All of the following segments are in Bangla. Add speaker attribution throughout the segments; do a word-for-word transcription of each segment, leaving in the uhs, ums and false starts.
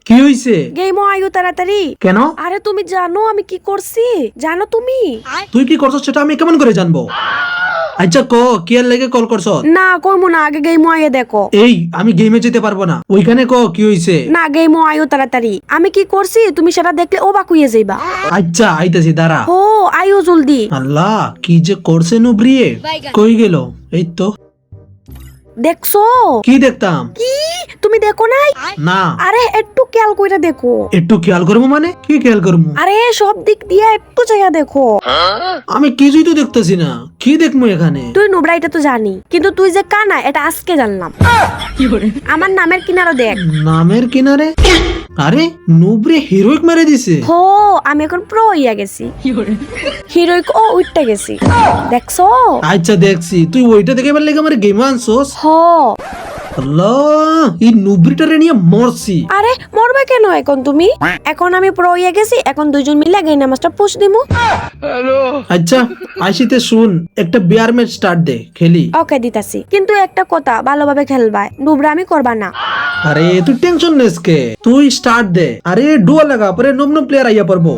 Speaker 1: কি হইছে?
Speaker 2: গেমও আয়ো তাড়াতাড়ি।
Speaker 1: কেন?
Speaker 2: আরে তুমি জানো আমি কি করছি? জানো তুমি?
Speaker 1: তুই কি করছস সেটা আমি কেমন করে জানবো? আচ্ছা ক কি আর লেগে কল করছ?
Speaker 2: না কইমু না, আগে গেমও আয়ে দেখো।
Speaker 1: এই আমি গেমে যেতে পারবো না, ওইখানে ক কি হইছে?
Speaker 2: না গেমও আয়ো তাড়াতাড়ি, আমি কি করছি তুমি সেটা দেখলে অবাক হইয়া যাইবা।
Speaker 1: আচ্ছা আইতাছি, দাঁড়া।
Speaker 2: ও আয়ো জলদি।
Speaker 1: আল্লাহ কি যে করছে নুব্রিয়ে, কই গেল? এই তো।
Speaker 2: দেখছো?
Speaker 1: কি দেখতাম?
Speaker 2: কি তুমি দেখো নাই?
Speaker 1: না।
Speaker 2: আরে একটু খেয়াল কইরা দেখো।
Speaker 1: একটু খেয়াল করবো মানে কি খেয়াল করবো?
Speaker 2: আরে সব দিক দিয়ে একটু চাইয়া দেখো।
Speaker 1: আমি কিছুই তো দেখতেছি না, কি দেখবো এখানে?
Speaker 2: তুই নোবরা এটা তো জানি, কিন্তু তুই যে কানা এটা আজকে জানলাম। আমার নামের কিনারও দেখ।
Speaker 1: নামের কিনারে? আরে নুব্রে হিরোইক মেরে দিছে।
Speaker 2: হো আমি এখন প্রো হইয়া গেছি, হিরোইক ও উঠতে গেছি। দেখছো?
Speaker 1: আচ্ছা দেখছি, তুই ওইটা দেখে এবার লেগে আমার গেমে আনছোস।
Speaker 2: হ
Speaker 1: আল্লাহ এই নুব্রিটারে নিয়ে মরছি।
Speaker 2: আরে মরবে কেন এখন তুমি? এখন আমি প্রো হইয়া গেছি, এখন দুইজন মিলে গেইনা মাস্টার পুশ দিমু।
Speaker 1: আচ্ছা আইসিতে শুন, একটা বিয়ার ম্যাচ স্টার্ট দে, খেলি।
Speaker 2: ওকে দিতাছি, কিন্তু একটা কথা, ভালোভাবে খেলবা, নুবরা আমি করবা না।
Speaker 1: আরে তুই টেনশন নিস কে, তুই স্টার্ট দে। আরে ডুয়া লাগা পরে নব নব প্লেয়ার আইয়া পড়বো।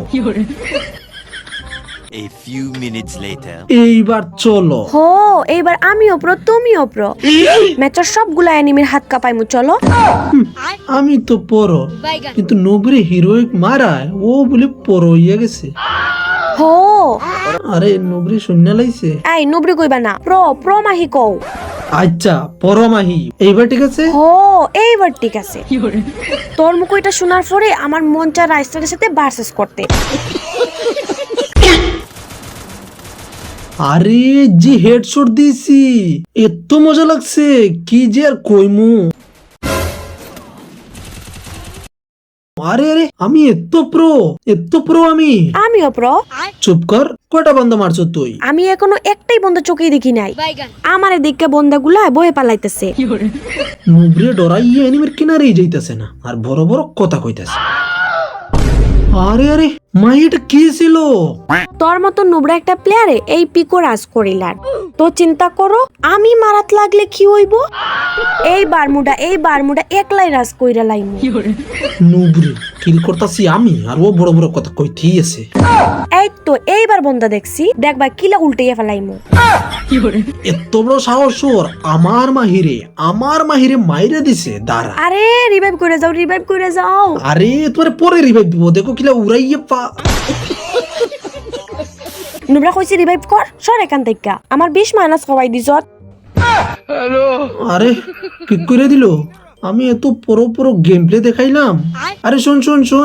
Speaker 3: A few minutes later.
Speaker 1: এইবার চলো।
Speaker 2: হো এইবার আমিও প্রো তুমিও প্রো, ম্যাচের সবগুলা এনিমির হাত কাঁপাইমু, চলো।
Speaker 1: আমি তো পড়ো, কিন্তু নুব্রে হিরোইক মারায় ও বলে পড়ো হইয়া গেছে।
Speaker 2: হো
Speaker 1: আরে নুব্রে শূন্য লাইছে।
Speaker 2: এই নুবরি কইবা না, প্রো প্রো মাহি কও।
Speaker 1: আচ্ছা পরমাহি, এইবার ঠিক আছে।
Speaker 2: হো এইবার ঠিক আছে। তোর মুখ এটা শোনার পরে আমার মন চায় রাইস্টারের সাথে ভার্সেস করতে।
Speaker 1: আরে জি হেডশট দিছি, এত মজা লাগছে কি যে আর কইমু। আরে আরে আমি এত প্রো, এত প্রো আমি।
Speaker 2: আমিও প্রো।
Speaker 1: চুপ কর, কয়টা বন্ধ মারছো তুই?
Speaker 2: আমি এখনো একটাই বন্ধা চোখেই দেখি নাই, আমার এদিকে বন্ধাগুলা বয়ে পালাইতেছে।
Speaker 1: নুব্রে ডরাইয়া এনিমের কিনারেই যাইতেছে না, আর বড় বড় কথা কইতাছে। আরে আরে মাই এটা কি ছিল?
Speaker 2: তোর মতো নুবরা একটা প্লেয়ারে এই পিকো রাজ করিলার, তো চিন্তা করো আমি মারাত লাগলে কি হইব। এই বারমুডা এই বারমুডা একলাই রাজ কইরা লাইমু।
Speaker 1: নুব্রে কিল করতাছি আমি, আর ও বড় বড় কথা কইতেই আছে।
Speaker 2: এই তো এইবার বন্ধা দেখছি, দেখবা কিলা উল্টাইয়া ফেলাইমু।
Speaker 1: এত বড় সাহস ওর, আমার মাহিরে আমার মাহিরে মাইরে দিছে, দাঁড়া।
Speaker 2: আরে রিভাইভ করে যাও, রিভাইভ করে যাও।
Speaker 1: আরে তোমার পরে রিভাইভ দিব, দেখো কিলা উড়াইয়ে পা।
Speaker 2: নুবরা কইছি রিভাইভ কর, সর এখান থেকে, আমার বিশ মাইনাস খাওয়াই দিছত।
Speaker 1: আরে কি করে দিল? আমি এত পুরো পুরো গেম প্লে দেখাইলাম। আরে শোন শোন শোন,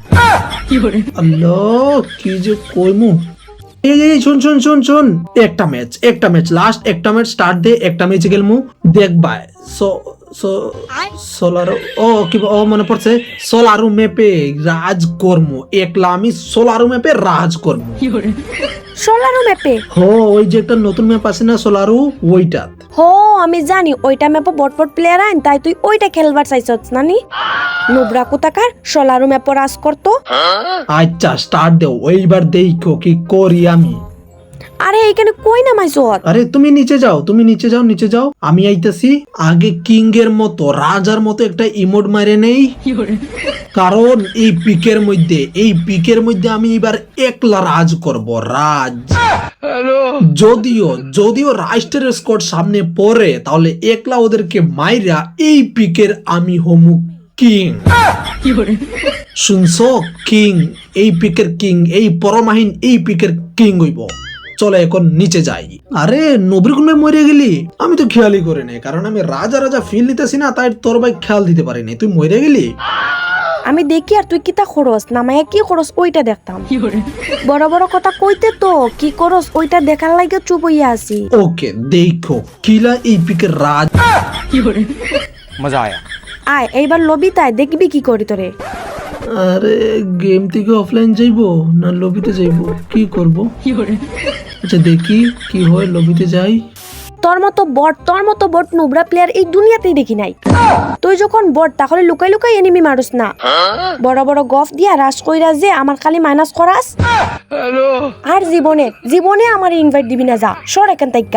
Speaker 1: আল্লাহ কি যে কইমু। এই এই শোন শোন শোন শোন, একটা ম্যাচ একটা ম্যাচ লাস্ট একটা ম্যাচ স্টার্ট দে, একটা ম্যাচে গেলমু দেখবা। সো সো সোলারো, ও কি ও মনে পড়ছে, সোলারু ম্যাপে রাজ করমু, একলা আমি সোলারু ম্যাপে রাজ করমু।
Speaker 2: সোলারো ম্যাপে?
Speaker 1: হো ওই যে একটা নতুন ম্যাপ আছে না সোলারু, ওইটা।
Speaker 2: হো আমি জানি ওইটা ম্যাপে বটপট প্লেয়ার আইন, তাই তুই ওইটা খেলবার চাইছস নানি। নুবরা কোথাকার সোলারো ম্যাপে রাজ করতো।
Speaker 1: আচ্ছা স্টার্ট দেও, ওইবার দেখো কি করি আমি।
Speaker 2: আরে এইখানে কই নামাইছত?
Speaker 1: আরে তুমি নিচে যাও, তুমি নিচে যাও, নিচে যাও, আমি আইতাছি। আগে কিং এর মতো রাজার মতো একটা ইমোট মারে নেই, কারণ এই পিকের মধ্যে এই পিকের মধ্যে আমি এবার একলা রাজ করব, রাজ। যদিও যদিও রাষ্ট্রের স্কোয়াড সামনে পড়ে, তাহলে একলা ওদেরকে মাইরা এই পিকের আমি হমু কিং। শুনছো, কিং, এই পিকের কিং, এই পরমাহীন এই পিকের কিং হইব। চলো এখন নিচে যাই। আরে নবীর কোন মরে গেলি? আমি তো খেয়ালই করে নাই, কারণ আমি রাজা রাজা ফিল নিতেছি না, তাই তোর ভাই খেয়াল দিতে পারিনি। তুই মরে গেলি?
Speaker 2: আমি দেখি আর তুই কিতা খরচ নামাইয়া কি খরচ ওইটা দেখতাম। বড় বড় কথা কইতে তো কি করস ওইটা দেখার লাগে চুপ হইয়া আছি।
Speaker 1: ওকে দেখো কিলা এই পিকের রাজ।
Speaker 3: मजा आया।
Speaker 2: আয় এইবার লবিতায় দেখবি কি করি তোরে।
Speaker 1: আরে গেম থেকে অফলাইন যাইবো না লবিতে যাইবো, কি করব? আচ্ছা দেখি কি হয়, লবিতে যাই।
Speaker 2: তোর মতো বট তোর মতো বট নুবরা প্লেয়ার এই দুনিয়াতেই দেখি নাই। তুই যখন বট তাহলে লুকাই লুকাই এনিমি মারুস না, বড় বড় গফ দিয়া রাশ কইরা যে আমার খালি মাইনাস করাস। আর জীবনে জীবনে আমার ইনভাইট দিবি না, যা সর এখান থেকে।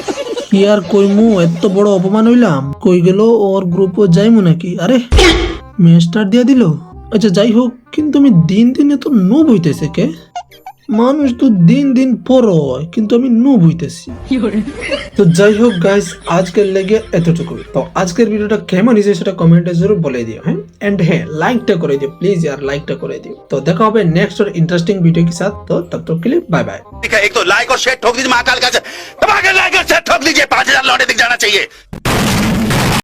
Speaker 1: কি আর কইমু, এত বড় অপমান হইলাম। কই গেল ওর গ্রুপও যাইমু নাকি? আরে মেস্টার দিয়ে দিল। আচ্ছা যাই হোক, কিন্তু আমি দিন দিন এত নুব হইতেছে কে? মানুষ তো দিন দিন পর হয়, কিন্তু আমি নুব হইতেছি। তো যাই হোক গাইস, আজকের লেগে এতটুকুই। তো আজকের ভিডিওটা কেমন হয়েছে সেটা কমেন্টে জরুর বলে দিও। হ্যাঁ, এন্ড হ্যাঁ, লাইকটা করে দিও প্লিজ यार, লাইকটা করে দিও। তো দেখা হবে নেক্সট और इंटरेस्टिंग वीडियो के साथ। तो तब तक के लिए बाय बाय।
Speaker 4: एक तो लाइक और शेयर ठोक दीजिए, महाकाल का दबा के लाइक और शेयर ठोक दीजिए, पांच हजार लौटे दिख जाना चाहिए।